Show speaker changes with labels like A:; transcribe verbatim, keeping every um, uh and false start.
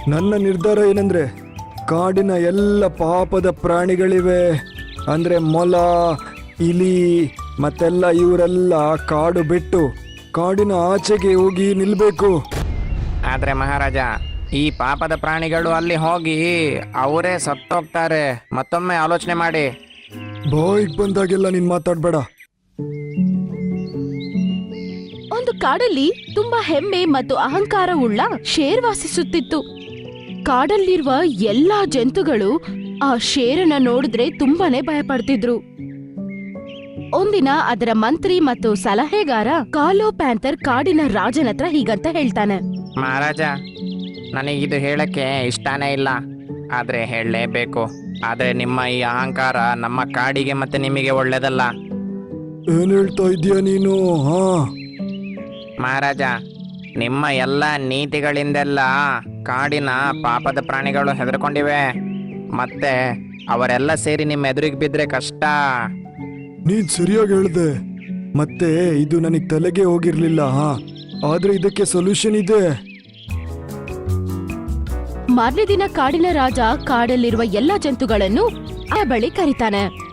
A: ನನ್ನ ನಿರ್ಧಾರ ಏನಂದ್ರೆ ಕಾಡಿನ ಎಲ್ಲ ಪಾಪದ ಪ್ರಾಣಿಗಳಿವೆ ಅಂದ್ರೆ ಮೊಲ, ಇಲಿ ಮತ್ತೆಲ್ಲ ಇವರೆಲ್ಲ ಕಾಡು ಬಿಟ್ಟು ಕಾಡಿನ ಆಚೆಗೆ ಹೋಗಿ ನಿಲ್ಬೇಕು.
B: ಆದ್ರೆ ಮಹಾರಾಜ, ಈ ಪಾಪದ ಪ್ರಾಣಿಗಳು ಅಲ್ಲಿ ಹೋಗಿ ಅವರೇ ಸತ್ತೋಗ್ತಾರೆ. ಮತ್ತೊಮ್ಮೆ ಆಲೋಚನೆ ಮಾಡಿ.
A: ಬಾಯಿಗೆ ಬಂದಾಗೆಲ್ಲ ನೀನ್ ಮಾತಾಡ್ಬೇಡ.
C: ಒಂದು ಕಾಡಲ್ಲಿ ತುಂಬಾ ಹೆಮ್ಮೆ ಮತ್ತು ಅಹಂಕಾರವುಳ್ಳ ಶೇರ್ ವಾಸಿಸುತ್ತಿತ್ತು. ಕಾಡಲ್ಲಿರುವ ಎಲ್ಲಾ ಜಂತುಗಳು ಆ ಶೇರನ್ನ ನೋಡಿದ್ರೆ ತುಂಬಾನೇ ಭಯಪಡ್ತಿದ್ರು. ಒಂದಿನ ಅದರ ಮಂತ್ರಿ ಮತ್ತು ಸಲಹೆಗಾರ ಕಾಲೋ ಪ್ಯಾಂಥರ್ ಕಾಡಿನ ರಾಜನ ಹತ್ರ ಹೀಗಂತ ಹೇಳ್ತಾನೆ.
B: ಮಹಾರಾಜ, ನನಗಿದು ಹೇಳಕ್ಕೆ ಇಷ್ಟನೇ ಇಲ್ಲ, ಆದ್ರೆ ಹೇಳಲೇಬೇಕು. ಆದ್ರೆ ನಿಮ್ಮ ಈ ಅಹಂಕಾರ ನಮ್ಮ ಕಾಡಿಗೆ ಮತ್ತೆ ನಿಮಗೆ ಒಳ್ಳೇದಲ್ಲ.
A: ಏನ್ ಹೇಳ್ತಾ ಇದೀಯ ನೀನು? ಹಾ
B: ಮಹಾರಾಜ, ನಿಮ್ಮ ಎಲ್ಲ ನೀತಿಗಳಿಂದೆಲ್ಲ ಕಾಡಿನ ಪಾಪದ ಪ್ರಾಣಿಗಳು ಹೆದರ್ಕೊಂಡಿವೆ. ಮತ್ತೆ ಅವರೆಲ್ಲ ಸೇರಿ ನಿಮ್ಮ ಎದುರಿಗೆ ಬಿದ್ರೆ ಕಷ್ಟ.
A: ನೀನ್ ಸರಿಯಾಗಿ ಹೇಳ್ದೆ. ಮತ್ತೆ ಇದು ನನಗ್ ತಲೆಗೆ ಹೋಗಿರ್ಲಿಲ್ಲ. ಹಾ ಆದ್ರೆ ಇದಕ್ಕೆ ಸೊಲ್ಯೂಷನ್ ಇದೆ.
C: ಮಾರನೇ ದಿನ ಕಾಡಿನ ರಾಜ ಕಾಡಲ್ಲಿರುವ ಎಲ್ಲಾ ಜಂತುಗಳನ್ನು ಆ ಬಳಿ ಕರೀತಾನೆ.